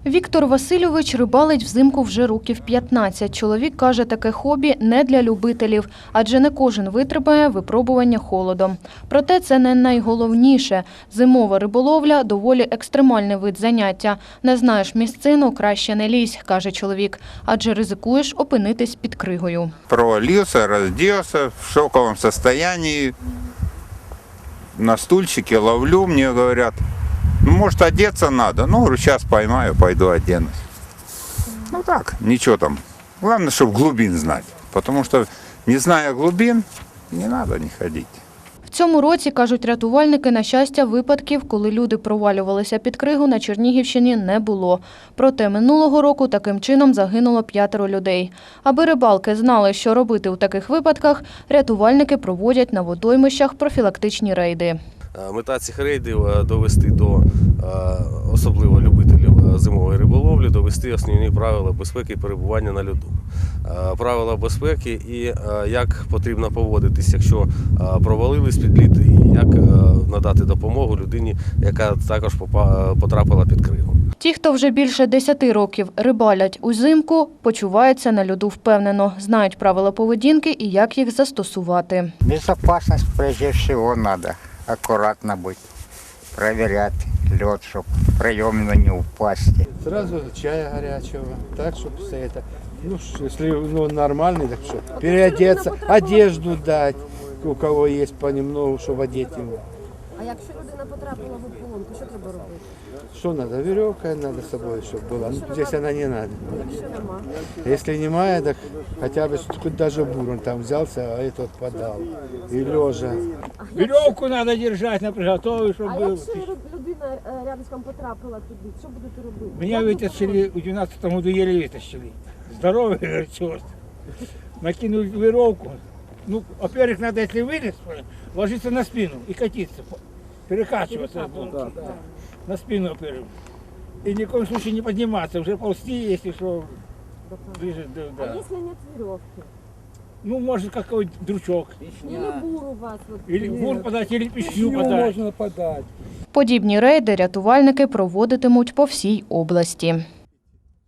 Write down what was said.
Віктор Васильович рибалить взимку вже років 15. Чоловік каже, таке хобі не для любителів, адже не кожен витримає випробування холодом. Проте це не найголовніше. Зимова риболовля – доволі екстремальний вид заняття. Не знаєш місцину – краще не лізь, каже чоловік, адже ризикуєш опинитись під кригою. Провалився, роздівся в шоковому стані, на стульчике ловлю, мне говорят, ну, может, одеться надо. Ну, говорю, сейчас поймаю, пойду оденусь. Ну, так, ничего там. Главное, чтобы глубин знать. Потому что, не зная глубин, не надо не ходить. В цьому році, кажуть рятувальники, на щастя, випадків, коли люди провалювалися під кригу, на Чернігівщині не було. Проте минулого року таким чином загинуло 5 людей. Аби рибалки знали, що робити у таких випадках, рятувальники проводять на водоймищах профілактичні рейди. Мета цих рейдів – довести до особливо любителів зимової риболовлі, довести основні правила безпеки і перебування на льоду. Правила безпеки і як потрібно поводитись, якщо провалились під лід, і як надати допомогу людині, яка також потрапила під кригу. Ті, хто вже більше 10 років рибалять узимку, почуваються на льоду впевнено, знають правила поведінки і як їх застосувати. Безопасность прежде всего надо. Аккуратно быть, проверять лед, чтобы проемно не упасть. Сразу чая горячего, так, чтобы все это, ну, если нормальный, так что, переодеться, одежду дать, у кого есть понемногу, чтобы одеть его. А якщо людина потрапила в ополонку, що треба робити? Что надо? Веревка надо с собой, чтобы была. Ну, здесь она не надо. Якщо нема? Если не мая, так хотя бы хоть даже бурон там взялся, а этот подал. И лежа. Веревку надо держать на приготове, чтобы А было. якщо людина рядом потрапила туди, що будете робити? Меня вытащили, в 12 году еле вытащили. Здоровый, говорит, черт. Накинули веревку. Ну, во-первых, надо, если вылез, ложиться на спину и катиться, перекачиваться. На спину, во-первых. И ни в коем случае не подниматься, уже ползти, если что, ближе, А да. якщо нет веревки? Ну, может, какой-то дручок. Или бур у вас? Вот, Или бур подать, или пищу подать. подать. Подібні рейди рятувальники проводитимуть по всій області.